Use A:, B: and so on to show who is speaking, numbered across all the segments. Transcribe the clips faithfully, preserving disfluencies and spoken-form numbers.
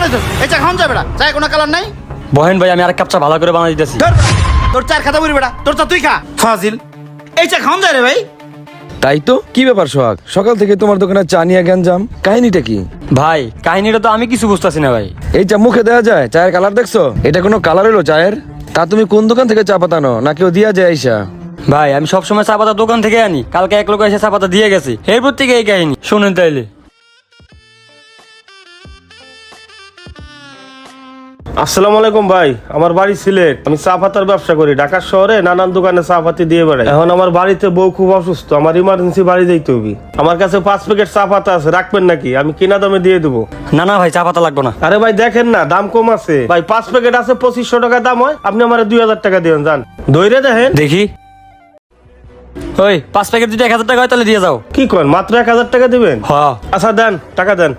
A: বানাইছস এই চা খাওন যাবে না চায় কোনো কালার নাই
B: বহেন ভাই আমি আরেক কাপ চা ভালো করে বানাই দিতেছি
A: ধর তোর চার খাতা বলি বেটা তোর চা তুই খা ফাজিল এই চা খাওন যায় রে ভাই
C: তাই তো কি ব্যাপার সোহাগ সকাল থেকে তোমার দোকানে চা নিয়ে গ্যাঞ্জাম কাহিনীটা কি?
B: ভাই কাহিনীটা তো আমি কিছু বুঝতেছি না ভাই।
C: এই চা মুখে দেওয়া যায় চায়ের কালার দেখছো? এটা কোনো কালার হলো চায়ের? তা তুমি কোন দোকান থেকে চা পাতানো না কেউ দিয়া যায় আইসা?
B: ভাই আমি সবসময় চা পাতা দোকান থেকে আনি, কালকে এক লোক এসে চা পাতা দিয়ে গেছে, এরপর থেকে এই কাহিনী শুনেন তাইলে।
D: আসসালামু আলাইকুম ভাই, আমার বাড়ি সিলেট। আমি চা পাতার ব্যবসা করি। ঢাকা শহরে নানান দোকানে চা পাতি দিয়ে বেড়াই। এখন আমার বাড়িতে বউ খুব অসুস্থ, আমার ইমার্জেন্সি বাড়ি যাইতে হবে। আমার কাছে পাঁচ প্যাকেট চা পাতা আছে, রাখবেন নাকি? আমি কিনা দামে দিয়ে দেবো।
B: না না ভাই চা পাতা লাগবে না।
D: আরে ভাই দেখেন না, দাম কম আছে ভাই। পাঁচ প্যাকেট আছে পঁচিশশো টাকা দাম হয়, আপনি আমার দুই হাজার টাকা দিবেন। যান ধৈর্য দেখেন
B: দেখি। ওই পাঁচ প্যাকেট যদি এক হাজার টাকা হয় তাহলে দিয়ে যাও।
D: কি করেন, মাত্র এক হাজার টাকা দিবেন?
B: হ্যাঁ
D: আচ্ছা দেন, টাকা দেন।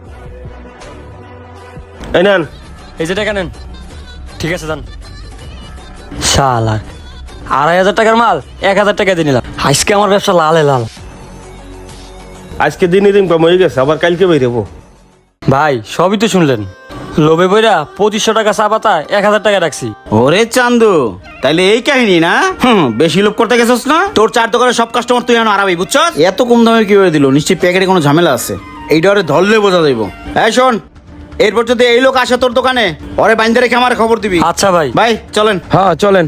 D: এই নেন।
B: এই যে টাকা নেন। ঠিক আছে যান। শালা আড়াই হাজার টাকার মাল এক হাজার টাকা দিয়ে নিলাম। আজকে আমার ব্যবসা লালে লাল।
D: আজকে দিনই দিন কম হয়ে গেছে, আবার কালকে বেরোবো।
B: ভাই সবই তো শুনলেন, লোভে বইরা পঁচিশশো টাকা চা পাতা এক হাজার টাকা রাখছি।
A: ওরে চান্দু তাইলে এই কাহিনী না? হুম বেশি লোভ করতে গেছস না? তোর চার দোকানের সব কাস্টমার তুই এখন হারাবি বুঝছস? এত কম দামে কি হয়ে দিল? নিশ্চয়ই প্যাকেটে কোনো ঝামেলা আছে। এইটা ওরে ধরলে বোঝা যাইব। এই শোন, এরপর যদি এই লোক আসে তোর দোকানে, ওরে বাইন্দা রেখে আমার খবর দিবি।
B: আচ্ছা ভাই।
A: ভাই চলেন।
C: হ্যাঁ চলেন।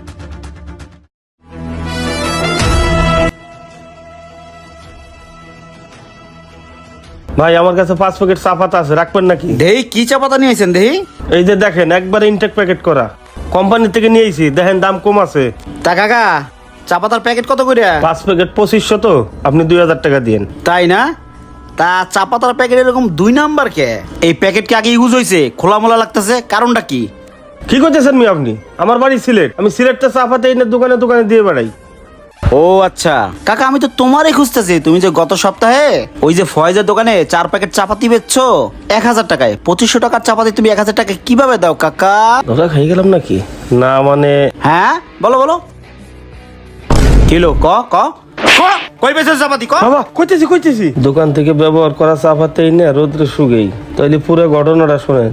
D: ভাই আমার কাছে পাঁচ প্যাকেট চা পাতা আছে, রাখবেন নাকি?
A: দেহি কি চা পাতা নিয়েছেন দেহি?
D: এই যে দেখেন, একবারে ইনটেক প্যাকেট করা, কোম্পানি থেকে নিয়েছি। দেখেন দাম কম আছে।
A: তা কাকা চা পাতার প্যাকেট কত করে?
D: পাঁচ প্যাকেট পঁচিশশো, তো আপনি দুই হাজার টাকা দিন।
A: তাই না? তা চা পাতার প্যাকেট এরকম দুই নাম্বার কে? এই প্যাকেট কি আগে ইউজ হয়েছে? খোলা মোলা লাগতেছে, কারণটা কি?
D: কি করতেছেন মি আপনি? আমার বাড়ি সিলেট, আমি সিলেটটা চা পাতা এনে দোকানে দোকানে দিয়ে বেড়াই।
A: ও আচ্ছা কাকা, আমি তো তোমারই খুঁজতেছি। তুমি যে গত সপ্তাহে ওই যে ফয়েজের দোকানে চার প্যাকেট চাপাতি বেচছো এক হাজার টাকায়, পঁচিশশো টাকার চাপাতি তুমি এক হাজার টাকায় কিভাবে দাও কাকা?
D: ধরা খাই গেলাম নাকি? না মানে
A: হ্যাঁ বলো বলো কিলো ক ক ক, কই বেচছো চাপাতি ক?
D: বাবা কইতেছি কইতেছি দোকান থেকে ব্যবহার করা চা পাতা এনে রোদ্রে শুগেই। তাইলে পুরো ঘটনাটা শোনেন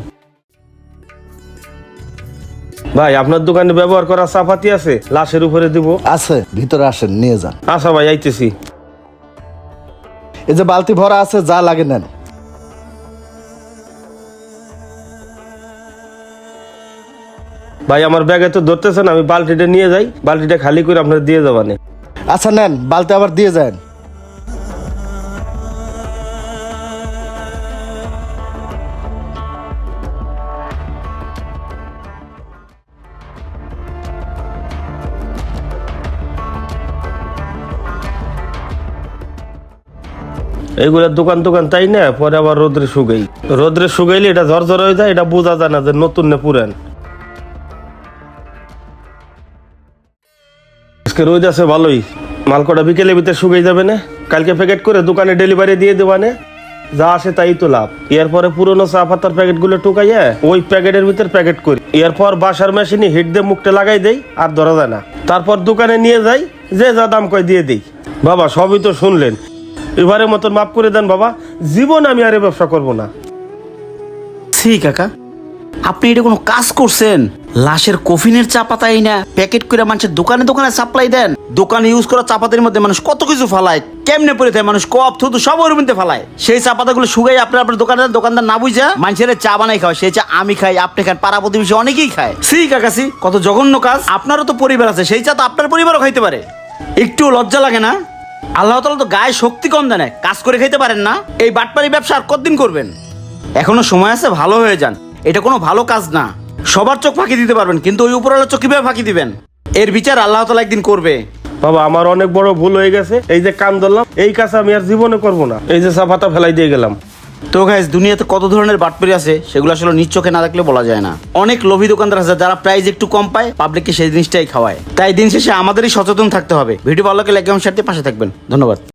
D: ভাই। আপনার দোকানে ব্যবহার করা চা পাতি আছে, লাশের উপরে দিব।
E: আছে, ভিতরে আসেন নিয়ে যান।
D: আচ্ছা ভাই আইতেছি।
E: এই যে বালতি ভরা আছে, যা লাগে নেন।
D: ভাই আমার ব্যাগে তো ধরতেছেন, আমি বালতিটা নিয়ে যাই, বালতিটা খালি করে আপনার দিয়ে যাবানে।
E: আচ্ছা নেন, বালতি আবার দিয়ে যান।
D: এইগুলা দোকান দোকান তাই না, পরে আবার রোদ্রে শুকাই। রোদ্রে শুকাইলে এটা ঝরঝর হয়ে যায়, এটা বোঝা যায় না যে নতুন না পুরান। আজকে রোদ আছে ভালোই, মালকটা বিকেলের ভিতরে শুকাই যাবে না। কালকে প্যাকেট করে দোকানে ডেলিভারি দিয়ে দেবানে, যা আসে তাই তো লাভ। এরপরে পুরোনো চা পাতার প্যাকেট গুলো টুকাইয়া ওই প্যাকেটের ভিতরে প্যাকেট করি। এরপর বাসার মেশিনে হিট দিয়ে মুখটা লাগাই দেই, আর ধরা যায় না। তারপর দোকানে নিয়ে যাই, যে যা দাম কয় দিয়ে দিই। বাবা সবই তো শুনলেন, এবারের মতন মাফ করে দেন বাবা। জীবন আমি আর ব্যবসা করব না।
A: সি কাকা, আপনি এটা কোনো কাজ করছেন? লাশের কফিনের চা পাতাই না প্যাকেট করে মানুষের দোকানে দোকানে সাপ্লাই দেন। দোকানে ইউজ করা চা পাতার মধ্যে মানুষ কত কিছু ফালায়, কেমনে পড়ে থাকে মানুষ, কপ থুতু সব ওর মধ্যে ফালায়। সেই চা পাতাগুলো শুকাই আপনার আপনার দোকানদার দোকানদার না বুঝা মানুষের চা বানাই খাওয়া। সেই চা আমি খাই, আপনি খান, পাড়া প্রতিবেশী অনেকেই খায়। সি কাকা সি, কত জঘন্য কাজ। আপনারও তো পরিবার আছে, সেই চা তো আপনার পরিবারও খাইতে পারে। একটু লজ্জা লাগে না? আল্লাহ তাআলা তো গায়ে শক্তি কম দেন, কাজ করে খাইতে পারেন না? এই বাটপারি ব্যবসা আর কতদিন করবেন? এখনো সময় আছে, ভালো হয়ে যান। এটা কোনো ভালো কাজ না। সবার চোখ ফাঁকি দিতে পারবেন, কিন্তু ওই উপরওয়ালার চোখ কিভাবে ফাঁকি দিবেন? এর বিচার আল্লাহ তাআলা একদিন করবে।
D: বাবা আমার অনেক বড় ভুল হয়ে গেছে, এই যে কাম ধরলাম, এই কাজ আমি আর জীবনে করব না। এই যে চা পাতা ফেলাই দিয়ে গেলাম।
A: তো গাইস, দুনিয়াতে কত ধরনের বাটপারি আছে সেগুলো আসলে নিজ চোখে না দেখলে বলা যায় না। অনেক লোভী দোকানদার আছে যারা প্রাইস একটু কম পায়, পাবলিককে সেই জিনিসটাই খাওয়ায়। তাই দিন শেষে আমাদেরই সচেতন থাকতে হবে। ভিডিও ভালো লাগলে লাইক এবং শেয়ার দিয়ে পাশে থাকবেন। ধন্যবাদ।